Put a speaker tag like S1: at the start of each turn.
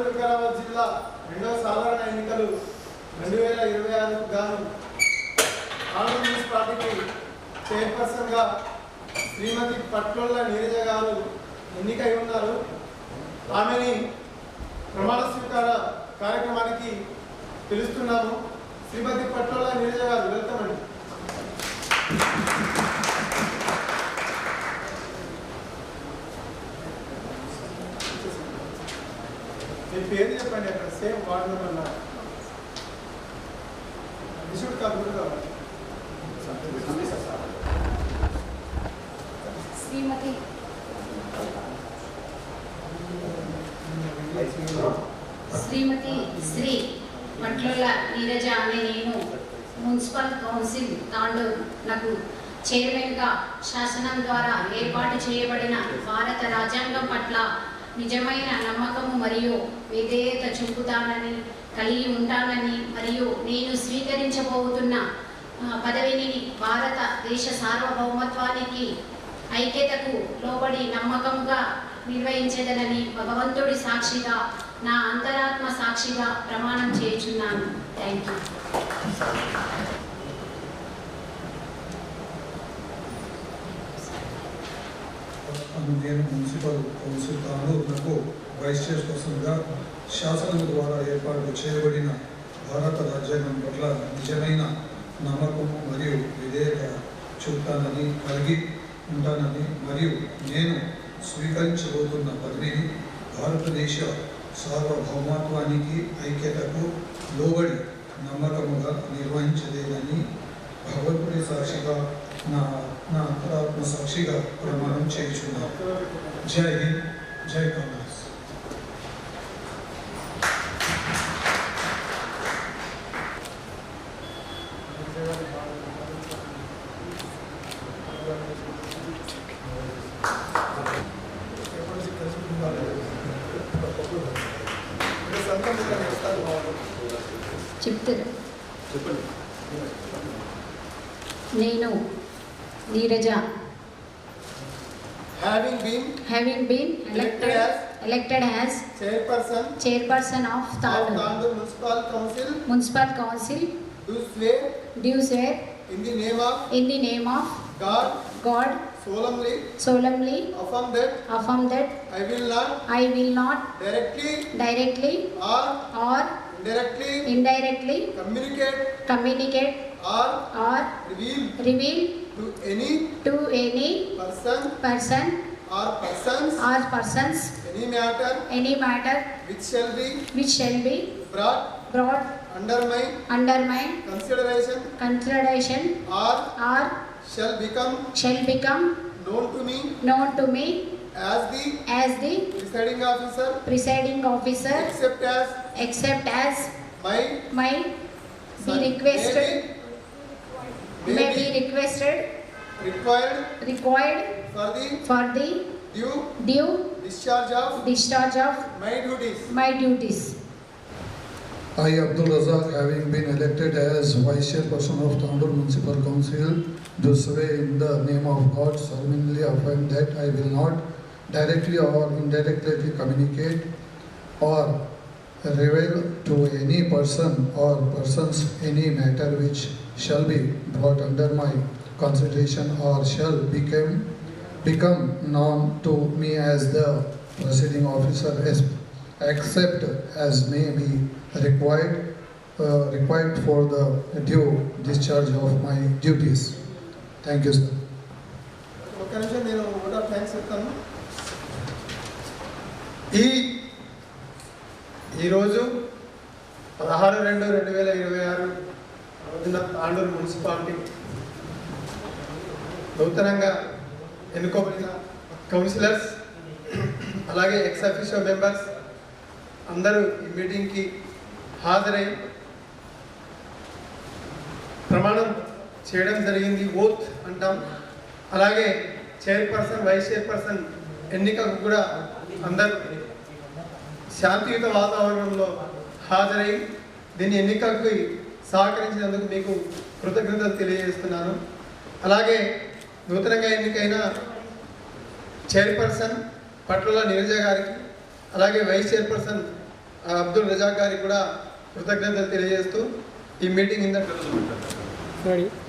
S1: భద్రాద్రి కొత్తగూడెం జిల్లా రెండవ సాధారణ ఎన్నికలు 2026కు గాను ఆంధ్ర మున్సిపాలిటీకి చైర్పర్సన్గా శ్రీమతి పట్లోళ్ళ నీరజ గారు ఎన్నికై ఉన్నారు. ఆమెని ప్రమాణ స్వీకార కార్యక్రమానికి పిలుస్తున్నాము. శ్రీమతి పట్లోళ్ళ నీరజ గారు, వెల్కమ్ అండి. మీ పేరు చెప్పండి. అక్కడ సేమ్ వార్డు నెంబర్ విషుడు కాకుండా కావాలి.
S2: శ్రీమతి శ్రీ పట్లోళ్ళ నీరజ అనే నేను మున్సిపల్ కౌన్సిల్ తాండూరునకు చైర్మన్గా శాసనం ద్వారా ఏర్పాటు చేయబడిన భారత రాజ్యాంగం పట్ల నిజమైన నమ్మకము మరియు విధేయత చూపుతానని, కలిగి ఉంటానని మరియు నేను స్వీకరించబోతున్న పదవిని భారతదేశ సార్వభౌమత్వానికి, ఐక్యతకు లోబడి నమ్మకంగా నిర్వహించదనని భగవంతుడి సాక్షిగా, నా అంతరాత్మ సాక్షిగా ప్రమాణం చేయుచున్నాను. Thank you.
S3: నేను మున్సిపల్ కౌన్సిల్ తాండూరునకు వైస్ చైర్పర్సన్గా శాసనం ద్వారా ఏర్పాటు చేయబడిన భారత రాజ్యాంగం పట్ల నిజమైన నమ్మకము మరియు విధేయత చూపుతానని, కలిగి ఉంటానని మరియు నేను స్వీకరించబోతున్న పదవిని భారతదేశ సార్వభౌమత్వానికి, ఐక్యతకు లోబడి నమ్మకముగా నిర్వహించలేదని భగవంతుడి సాక్షిగా, నా అంతరాత్మ సాక్షిగా ప్రమాణం చేయుచున్నాను. జై హింద్, జై కాంగ్రెస్.
S2: చెప్తారు. నేను Neeraja having been elected as chairperson of Tandur Municipal Council do swear
S1: in the name of
S2: God solemnly affirm that I will not directly or indirectly communicate or reveal to any person
S1: or
S2: persons any matter which shall be brought under my consideration or
S1: shall become
S2: known to me as the presiding officer except as may be required for the due discharge of my duties.
S3: I, Abdul Razak, having been elected as Vice Chairperson of Tandur Municipal Council, do swear in the name of God solemnly affirm that I will not directly or indirectly communicate or reveal to any person or persons any matter which shall be brought under my consideration or shall become known to me as the presiding officer except as may be required for the due discharge of my duties. Thank you, sir.
S1: నేను vote of thanks చెప్తాను. ఈరోజు 16/2/2026 రోజున Tandur municipality నూతనంగా ఎన్నుకోబడిన counsellors అలాగే ex officio members అందరూ ఈ మీటింగ్కి హాజరై ప్రమాణం చేయడం జరిగింది. ఓత్ అంటాం. అలాగే చైర్పర్సన్, వైస్ చైర్పర్సన్ ఎన్నికకు కూడా అందరూ శాంతియుత వాతావరణంలో హాజరై దీని ఎన్నికకు సహకరించినందుకు మీకు కృతజ్ఞతలు తెలియజేస్తున్నాను. అలాగే నూతనంగా ఎన్నికైన చైర్పర్సన్ పట్లోళ్ళ నీరజ గారికి, అలాగే వైస్ చైర్పర్సన్
S4: అబ్దుల్ రజాక్ గారికి కూడా కృతజ్ఞతలు తెలియజేస్తూ ఈ మీటింగ్ ఇంత